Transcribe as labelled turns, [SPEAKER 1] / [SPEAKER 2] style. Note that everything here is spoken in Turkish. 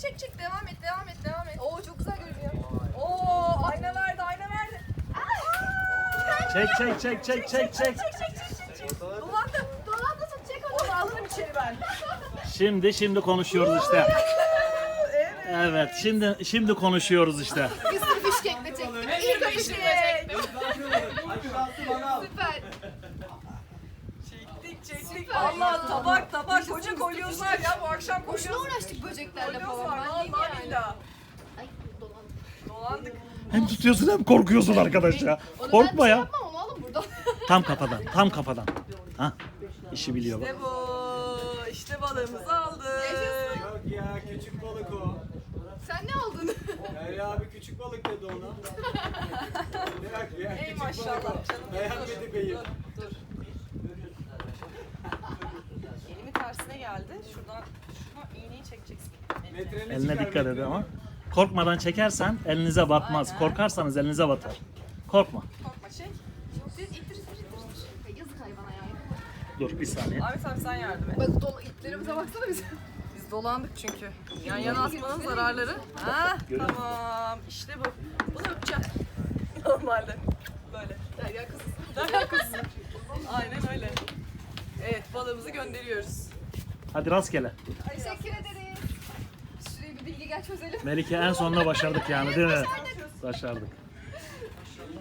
[SPEAKER 1] çek. Devam et. Oo çok güzel görünüyor. Oo ayna verdi.
[SPEAKER 2] Çek.
[SPEAKER 1] Dolandı tut çek onu. Onu alırım içeri ben.
[SPEAKER 2] Şimdi konuşuyoruz işte. Evet, şimdi konuşuyoruz işte.
[SPEAKER 1] Bir sürü fişkekle çektim. İlk fişkek. Süper.
[SPEAKER 3] Çektik. Allah tabak koca kolyozlar ya bu akşam
[SPEAKER 1] Boşuna
[SPEAKER 3] kolyoz.
[SPEAKER 1] uğraştık böceklerle
[SPEAKER 3] Kolyoz
[SPEAKER 1] falan.
[SPEAKER 3] var
[SPEAKER 1] Ben diyeyim
[SPEAKER 3] vallahi
[SPEAKER 1] yani.
[SPEAKER 3] billahi.
[SPEAKER 1] Ay dolandı.
[SPEAKER 3] Dolandık.
[SPEAKER 2] Hem tutuyorsun hem korkuyorsun arkadaş ya.
[SPEAKER 1] Onu
[SPEAKER 2] Korkma
[SPEAKER 1] ben
[SPEAKER 2] ya.
[SPEAKER 1] yapmam onu alın buradan.
[SPEAKER 2] Tam kafadan. Ha? İşi biliyor bak.
[SPEAKER 3] İşte bu. İşte balığımızı aldık.
[SPEAKER 4] Yok ya küçük balık o.
[SPEAKER 1] Sen ne aldın?
[SPEAKER 4] Derya abi küçük balık dedi ona. Yok ya
[SPEAKER 3] Ey
[SPEAKER 4] küçük
[SPEAKER 3] maşallah
[SPEAKER 4] balık o.
[SPEAKER 3] canım.
[SPEAKER 4] Beğenmedi beyim.
[SPEAKER 3] Dur. Elimin tersine geldi. Şuradan iğneyi çekeceksin.
[SPEAKER 4] Metreni
[SPEAKER 2] Eline
[SPEAKER 4] çıkar,
[SPEAKER 2] dikkat edin
[SPEAKER 4] metreni.
[SPEAKER 2] ama. Korkmadan çekersen elinize batmaz.
[SPEAKER 3] Aynen.
[SPEAKER 2] Korkarsanız elinize batar. Korkma.
[SPEAKER 3] Korkma çek.
[SPEAKER 1] İttir. Yazık hayvana ya.
[SPEAKER 2] Dur bir saniye.
[SPEAKER 3] Ahmet abi sen yardım et.
[SPEAKER 1] Bak iplerimize baksana biz.
[SPEAKER 3] Biz dolandık çünkü. Yan yana atmanın zararları. Ha, tamam. İşte bu. Bunu öpeceğim. Normalde. Böyle.
[SPEAKER 1] Derya kızı.
[SPEAKER 3] Daha kızsın. Aynen öyle. Evet balığımızı gönderiyoruz.
[SPEAKER 2] Hadi rastgele.
[SPEAKER 1] Teşekkür ederiz. Şuraya bir bilgi gel çözelim.
[SPEAKER 2] Melike en sonunda başardık yani değil mi? Başardık.